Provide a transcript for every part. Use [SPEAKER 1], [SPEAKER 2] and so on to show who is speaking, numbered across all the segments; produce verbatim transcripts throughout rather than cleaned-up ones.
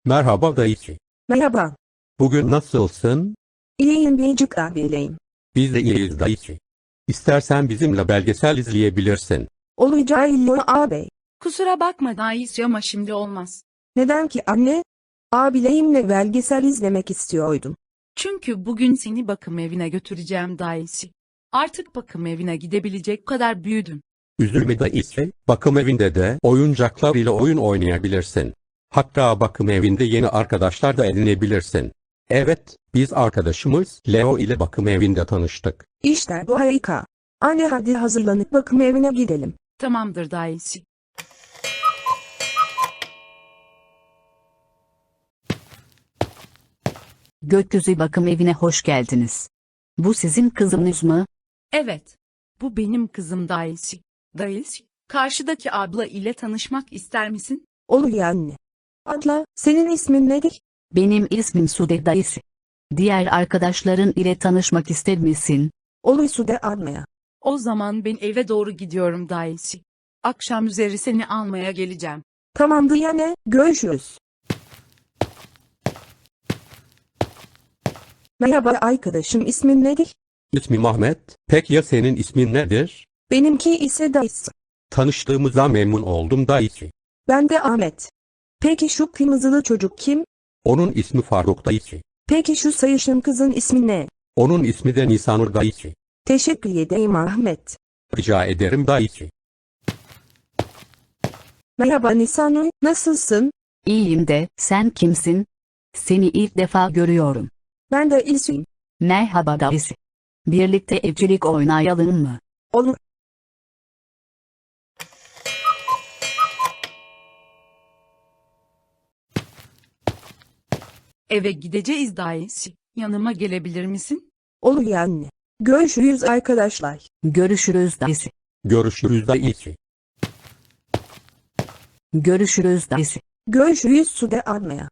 [SPEAKER 1] Merhaba dayıcı.
[SPEAKER 2] Merhaba.
[SPEAKER 1] Bugün nasılsın?
[SPEAKER 2] İyiyim Beycik abileyim.
[SPEAKER 1] Biz de iyiyiz dayıcı. İstersen bizimle belgesel izleyebilirsin.
[SPEAKER 2] Olacağı illo ağabey.
[SPEAKER 3] Kusura bakma Dayıs ama şimdi olmaz.
[SPEAKER 2] Neden ki anne? Abileyimle belgesel izlemek istiyordum.
[SPEAKER 3] Çünkü bugün seni bakım evine götüreceğim Dayıs. Artık bakım evine gidebilecek kadar büyüdün.
[SPEAKER 1] Üzülme dayıcı. Bakım evinde de oyuncaklar ile oyun oynayabilirsin. Hatta bakım evinde yeni arkadaşlar da edinebilirsin. Evet, biz arkadaşımız Leo ile bakım evinde tanıştık.
[SPEAKER 2] İşte bu harika. Anne hadi hazırlanıp bakım evine gidelim.
[SPEAKER 3] Tamamdır Dayıs.
[SPEAKER 4] Gökyüzü bakım evine hoş geldiniz. Bu sizin kızınız mı?
[SPEAKER 3] Evet. Bu benim kızım Dayıs. Dayıs, karşıdaki abla ile tanışmak ister misin?
[SPEAKER 2] Olur ya anne. Abla, senin ismin nedir?
[SPEAKER 4] Benim ismim Sude dayısı. Diğer arkadaşların ile tanışmak ister misin?
[SPEAKER 2] Olur Sude almaya.
[SPEAKER 3] O zaman ben eve doğru gidiyorum Dayıs. Akşam üzeri seni almaya geleceğim.
[SPEAKER 2] Tamamdır ya ne? Görüşürüz. Merhaba arkadaşım, ismin nedir?
[SPEAKER 1] İsmim Ahmet. Peki ya senin ismin nedir?
[SPEAKER 2] Benimki ise Dayıs.
[SPEAKER 1] Tanıştığımıza memnun oldum dayıcı.
[SPEAKER 2] Ben de Ahmet. Peki şu kırmızılı çocuk kim?
[SPEAKER 1] Onun ismi Faruk dayıcı.
[SPEAKER 2] Peki şu sayışın kızın ismi ne?
[SPEAKER 1] Onun ismi de Nisanur dayıcı.
[SPEAKER 2] Teşekkür ederim Ahmet.
[SPEAKER 1] Rica ederim dayıcı.
[SPEAKER 2] Merhaba Nisanur, nasılsın?
[SPEAKER 4] İyiyim de, sen kimsin? Seni ilk defa görüyorum.
[SPEAKER 2] Ben de İlsu'yum.
[SPEAKER 4] Merhaba dayısı. Birlikte evcilik oynayalım mı?
[SPEAKER 2] Olur.
[SPEAKER 3] Eve gideceğiz Dayıs. Yanıma gelebilir misin?
[SPEAKER 2] Olur ya anne. Görüşürüz arkadaşlar.
[SPEAKER 4] Görüşürüz dayısı.
[SPEAKER 1] Görüşürüz dayıcı.
[SPEAKER 4] Görüşürüz dayısı.
[SPEAKER 2] Görüşürüz Sude almaya.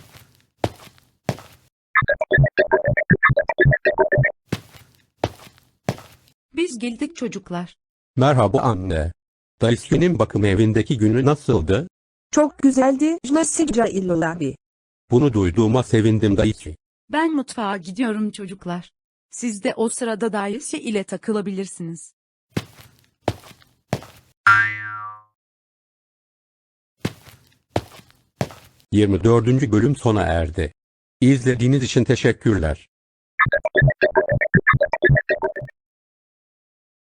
[SPEAKER 3] Biz geldik çocuklar.
[SPEAKER 1] Merhaba anne. Dayısının bakım evindeki günü nasıldı?
[SPEAKER 2] Çok güzeldi. Jlasicca illola.
[SPEAKER 1] Bunu duyduğuma sevindim dayıcı.
[SPEAKER 3] Ben mutfağa gidiyorum çocuklar. Siz de o sırada Dayıs ile takılabilirsiniz.
[SPEAKER 1] yirmi dördüncü bölüm sona erdi. İzlediğiniz için teşekkürler.